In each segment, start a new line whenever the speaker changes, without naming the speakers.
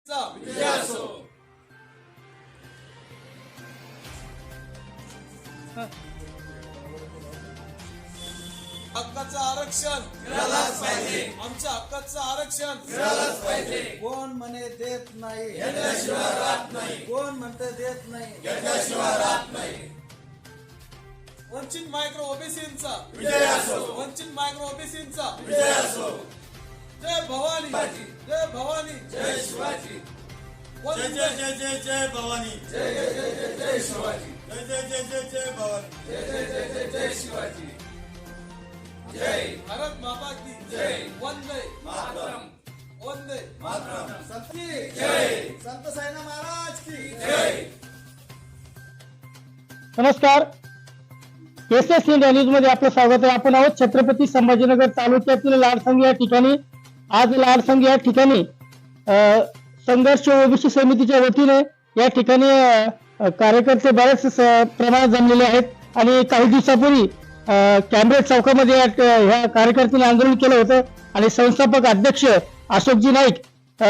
विजय असो. हक्काचं आरक्षण मिळालंच पाहिजे. आमच्या हक्काचं आरक्षण मिळालंच पाहिजे.
कोण म्हणे देत नाही
घेतल्याशिवाय राहत नाही.
कोण म्हणते देत नाही
घेतल्याशिवाय राहत नाही.
वंचित मायक्रो ओबीसींचा
विजय असो.
वंचित मायक्रो ओबीसींचा
विजय असो.
जय भवानी जय भवानी
जय शिवाजी.
वंदे
जय जय जय जय भवानी.
जय जय जय जय जय शिवाजी.
जय जय जय जय जय भवानी.
जय जय जय जय जय शिवाजी. जय
भारत माता की
जय.
वंदे
मातरम.
वंदे
मातरम.
संत की
जय.
संत साईनाथ महाराज की
जय.
नमस्कार. एसएस इंडिया न्यूज मध्ये आपलं स्वागत आहे. आपण आहोत छत्रपती संभाजीनगर तालुक्यातील लाडसंग या ठिकाणी. आज लाडसंग या ठिकाणी संघर्ष ओबीसी समितीच्या वतीने या ठिकाणी कार्यकर्ते बरेच प्रमाणात जमलेले आहेत आणि काही दिवसापूर्वी कॅम्ब्रेज चौकामध्ये ह्या कार्यकर्त्यांनी आंदोलन केलं होतं आणि संस्थापक अध्यक्ष अशोकजी नाईक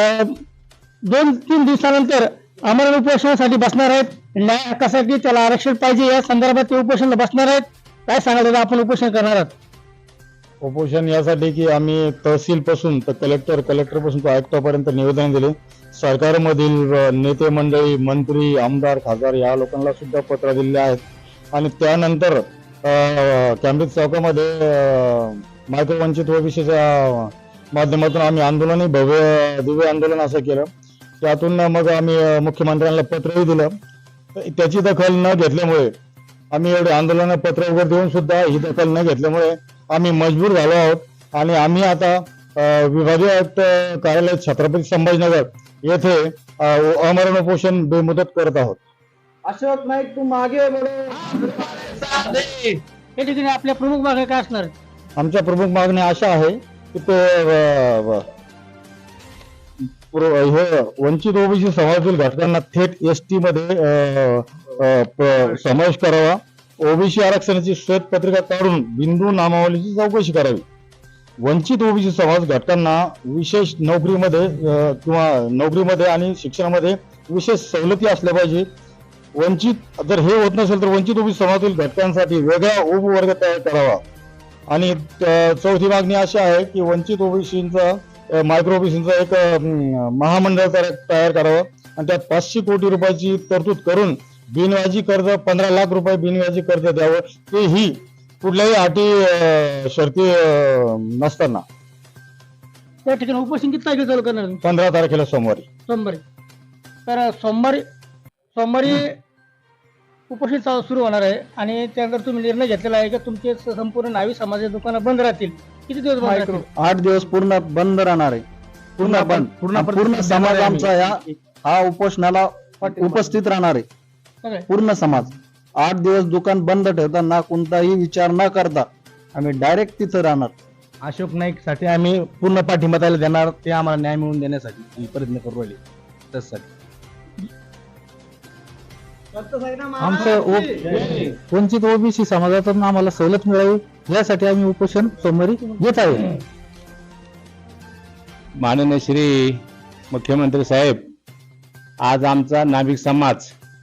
2-3 दिवसानंतर आमरण उपोषणासाठी बसणार आहेत. न्याय हक्कासाठी त्याला आरक्षण पाहिजे या संदर्भात ते उपोषणाला बसणार आहेत. काय सांगाल आपण उपोषण करणार आहात?
उपोषण यासाठी की आम्ही तहसील पासून तर कलेक्टर पासून तो आयुक्तापर्यंत निवेदन दिले. सरकारमधील नेते मंडळी, मंत्री, आमदार, खासदार या लोकांना सुद्धा पत्र दिलेले आहेत आणि त्यानंतर कॅम्ब्रिज चौकामध्ये मायक्रोवंचित ओबीसीच्या माध्यमातून आम्ही आंदोलनही भव्य दिव्य आंदोलन असं केलं. त्यातून मग आम्ही मुख्यमंत्र्यांना पत्रही दिलं. त्याची दखल न घेतल्यामुळे आम्ही एवढे आंदोलन पत्र वगैरे देऊन सुद्धा ही दखल न घेतल्यामुळे आम्ही मजबूर झालो आहोत आणि आम्ही आता विभागीय आयुक्त कार्यालय छत्रपती संभाजीनगर येथे आमरण उपोषण बेमुदत करत आहोत.
अशोक नाईक तू मागे या ठिकाणी आपल्या प्रमुख मागण्या काय असणार?
आमच्या प्रमुख मागण्या अशा आहे की ते हे वंचित ओबीसी समाजातील घटकांना थेट एसटी मध्ये समावेश करावा. ओबीसी आरक्षणाची श्वेतपत्रिका काढून बिंदू नामावलीची चौकशी करावी. वंचित ओबीसी समाज घटकांना विशेष नोकरीमध्ये आणि शिक्षणामध्ये विशेष सवलती असल्या पाहिजे. वंचित जर हे होत नसेल तर वंचित ओबीसी समाजातील घटकांसाठी वेगळा उपवर्ग तयार करावा. आणि चौथी मागणी अशी आहे की वंचित ओबीसींचा मायक्रो ओबीसींचा एक महामंडळ तयार करावं आणि त्यात 500 कोटी रुपयाची तरतूद करून बिनव्याजी कर्ज 15 लाख रुपये बिनव्याजी कर्ज द्यावं. तेही कुठल्याही अटी शर्ती नसताना.
त्या ठिकाणी उपोषण किती तारखेला चालू करणार?
15 तारखेला सोमवारी.
तर सोमवारी उपोषण सुरू होणार आहे आणि त्यानंतर तुम्ही निर्णय घेतलेला आहे की तुमचे संपूर्ण न्हावी समाजाची दुकानं बंद राहतील. किती दिवस बंद राहतील?
8 दिवस पूर्ण बंद राहणार आहे. पूर्ण समाज आमचा हा उपोषणाला उपस्थित राहणार आहे. पूर्ण समाज 8 दिवस दुकान बंद ठेवताना कोणताही विचार न करता आम्ही डायरेक्ट तिथं राहणार.
अशोक नाईक साठी आम्ही पूर्ण पाठिंबा त्याला देणार. ते आम्हाला न्याय मिळवून देण्यासाठी प्रयत्न करू राहिले. त्यासाठी
आमचं
वंचित ओबीसी समाजातून आम्हाला सवलत मिळावी यासाठी आम्ही उपोषण सोमवारी घेत आहोत.
माननीय श्री मुख्यमंत्री साहेब, आज आमचा नाभिक समाज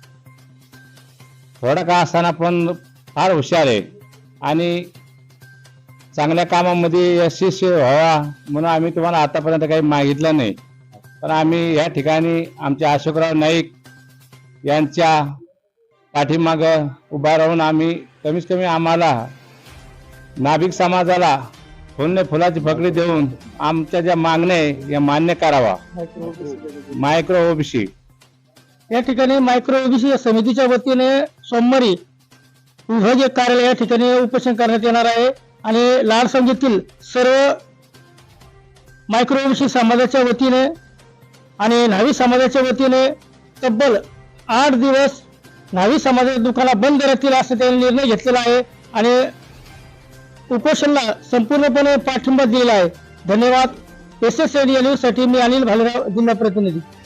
थोडा का असताना पण फार हुशार आहे आणि चांगल्या कामामध्ये यशस्वी व्हावा म्हणून आम्ही तुम्हाला आतापर्यंत काही मागितलं नाही. पण आम्ही या ठिकाणी आमच्या अशोकराव नाईक यांच्या पाठीमाग उभा राहून आम्ही कमीत कमी आम्हाला नाभिक समाजाला फुलाची फकडी देऊन आमच्या ज्या मागण्या आहे या मान्य करावा. मायक्रो ओबीसी
या ठिकाणी मायक्रो ओबीसी समितीच्या वतीने सोमवारी विभागीय कार्यालय या ठिकाणी उपोषण करण्यात येणार आहे आणि लाडसंगीतील सर्व मायक्रो ओबीसी समाजाच्या वतीने आणि न्हावी समाजाच्या वतीने तब्बल 8 दिवस न्हावी समाजाच्या दुकानं बंद राहतील असं त्यांनी निर्णय घेतलेला आहे आणि उपोषणाला संपूर्णपणे पाठिंबा दिलेला आहे. धन्यवाद. एसएस इंडिया न्यूज साठी मी अनिल भालेराव, जिल्हा प्रतिनिधी.